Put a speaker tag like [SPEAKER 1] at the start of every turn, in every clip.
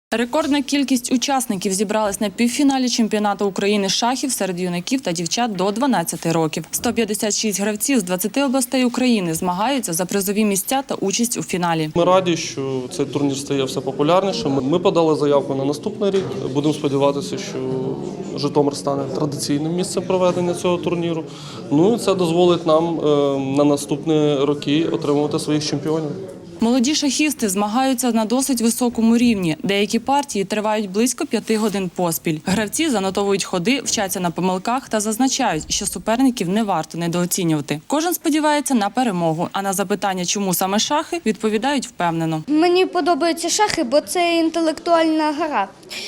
[SPEAKER 1] Рекордна кількість учасників зібралась на півфіналі чемпіонату України з шахів серед юнаків та дівчат до 12 років. 156 гравців з 20 областей України змагаються за призові місця та участь у фіналі.
[SPEAKER 2] Ми раді, що цей турнір стає все популярнішим. Ми подали заявку на наступний рік. Будемо сподіватися, що Житомир стане традиційним місцем проведення цього турніру. Ну і це дозволить нам на наступні роки отримувати своїх чемпіонів.
[SPEAKER 1] Молоді шахісти змагаються на досить високому рівні. Деякі партії тривають близько 5 годин поспіль. Гравці занотовують ходи, вчаться на помилках та зазначають, що суперників не варто недооцінювати. Кожен сподівається на перемогу, а на запитання, чому саме шахи, відповідають впевнено.
[SPEAKER 3] Мені подобаються шахи, бо це інтелектуальна гра.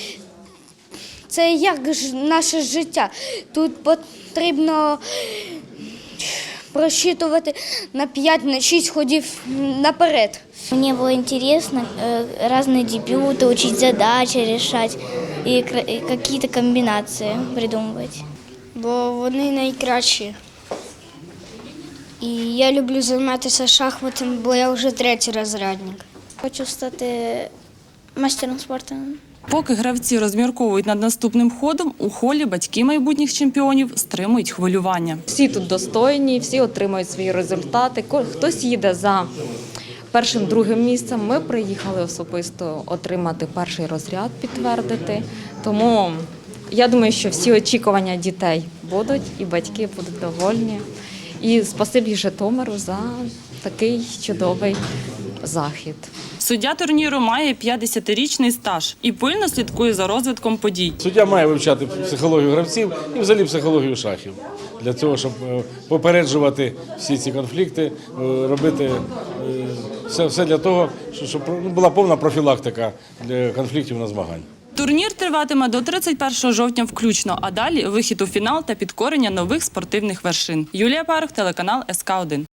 [SPEAKER 3] Це як наше життя. Тут потрібно просчитывать на 5-6 ходів наперед.
[SPEAKER 4] Мне было интересно разные дебюты, учить задачи решать и какие-то комбинации придумывать.
[SPEAKER 3] Бо вони найкращі. І я люблю займатися шахматом, бо я вже 3-й розрядник.
[SPEAKER 4] Хочу стати мастером спорту.
[SPEAKER 1] Поки гравці розмірковують над наступним ходом, у холі батьки майбутніх чемпіонів стримують хвилювання.
[SPEAKER 5] Всі тут достойні, всі отримують свої результати. Хтось їде за першим, другим місцем. Ми приїхали особисто отримати перший розряд, підтвердити. Тому я думаю, що всі очікування дітей будуть і батьки будуть довольні. І спасибі Житомиру за такий чудовий захід.
[SPEAKER 1] Суддя турніру має 50-річний стаж і пильно слідкує за розвитком подій.
[SPEAKER 6] Суддя має вивчати психологію гравців і взагалі психологію шахів. Для того, щоб попереджувати всі ці конфлікти, робити все для того, щоб була повна профілактика для конфліктів на змаганнях.
[SPEAKER 1] Турнір триватиме до 31 жовтня включно, а далі вихід у фінал та підкорення нових спортивних вершин. Юлія Парух, телеканал СК1.